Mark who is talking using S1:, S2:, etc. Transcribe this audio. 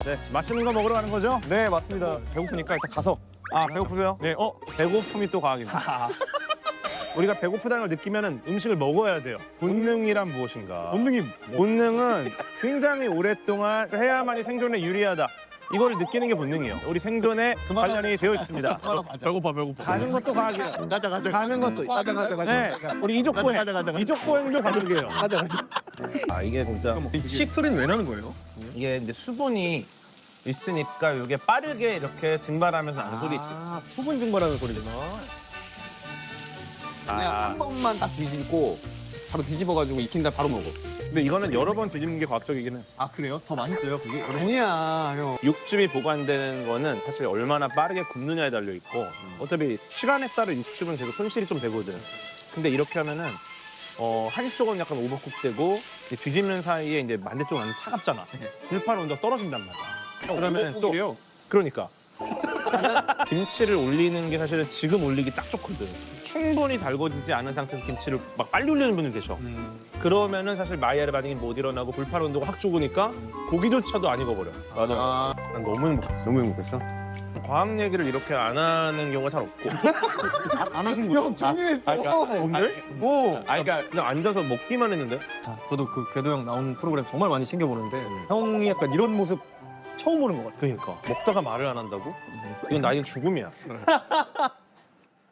S1: 네, 맛있는 거 먹으러 가는 거죠?
S2: 네, 맞습니다.
S1: 배고프니까 일단 가서. 아, 배고프세요?
S2: 네,
S1: 배고픔이 또 과학입니다. 우리가 배고프다는 걸 느끼면 음식을 먹어야 돼요. 본능이란 무엇인가?
S2: 본능이
S1: 본능은 굉장히 오랫동안 해야만이 생존에 유리하다. 이거를 느끼는 게 본능이에요. 우리 생존에 관련이 되어 있습니다.
S3: 배고파.
S1: 가는 것도 과학이야.
S2: 가자.
S1: 가는 것도.
S2: 가자.
S1: 네, 우리 이족보행.
S2: 가자.
S1: 이족보행도 과학이에요.
S2: 가자.
S1: 아, 이게 진짜
S3: 씩 소리는 왜 나는 거예요?
S1: 이게 이제 수분이 있으니까 이게 빠르게 이렇게 증발하면서 나는 소리 있어요.
S2: 아, 수분 증발하는 소리구나.
S3: 그냥 한 번만 딱 뒤집고 바로 뒤집어가지고 익힌다 바로 먹어.
S1: 근데 이거는 여러 번 뒤집는 게 과학적이긴 해.
S2: 아, 그래요? 더 맛있어요, 그게?
S3: 아니야, 형.
S1: 육즙이 보관되는 거는 사실 얼마나 빠르게 굽느냐에 달려 있고 어차피 시간에 따라 육즙은 계속 손실이 좀 되거든. 근데 이렇게 하면은 한쪽은 약간 오버쿡되고 뒤집는 사이에 이제 반대쪽은 완전 차갑잖아. 불판 온도가 떨어진단 말이야. 그러면 또 그러니까 김치를 올리는 게 사실은 지금 올리기 딱 좋거든. 충분히 달궈지지 않은 상태에서 김치를 막 빨리 올리는 분들 계셔. 그러면은 사실 마이야르 반응이 못 일어나고 불판 온도가 확 죽으니까 고기조차도 안 익어버려.
S3: 맞아.
S1: 난 너무 행복해.
S3: 너무 행복했어?
S1: 과학 얘기를 이렇게 안 하는 경우가 잘 없고
S2: 안 하신 거죠? 형, 종이했어.
S1: 오늘?
S2: 오.
S3: 그러니까
S1: 그냥 앉아서 먹기만 했는데
S2: 저도 그 궤도 형 나온 프로그램 정말 많이 챙겨보는데 형이 약간 이런 모습 처음 보는 것 같아요.
S1: 그러니까 먹다가 말을 안 한다고? 이건 나이는 죽음이야.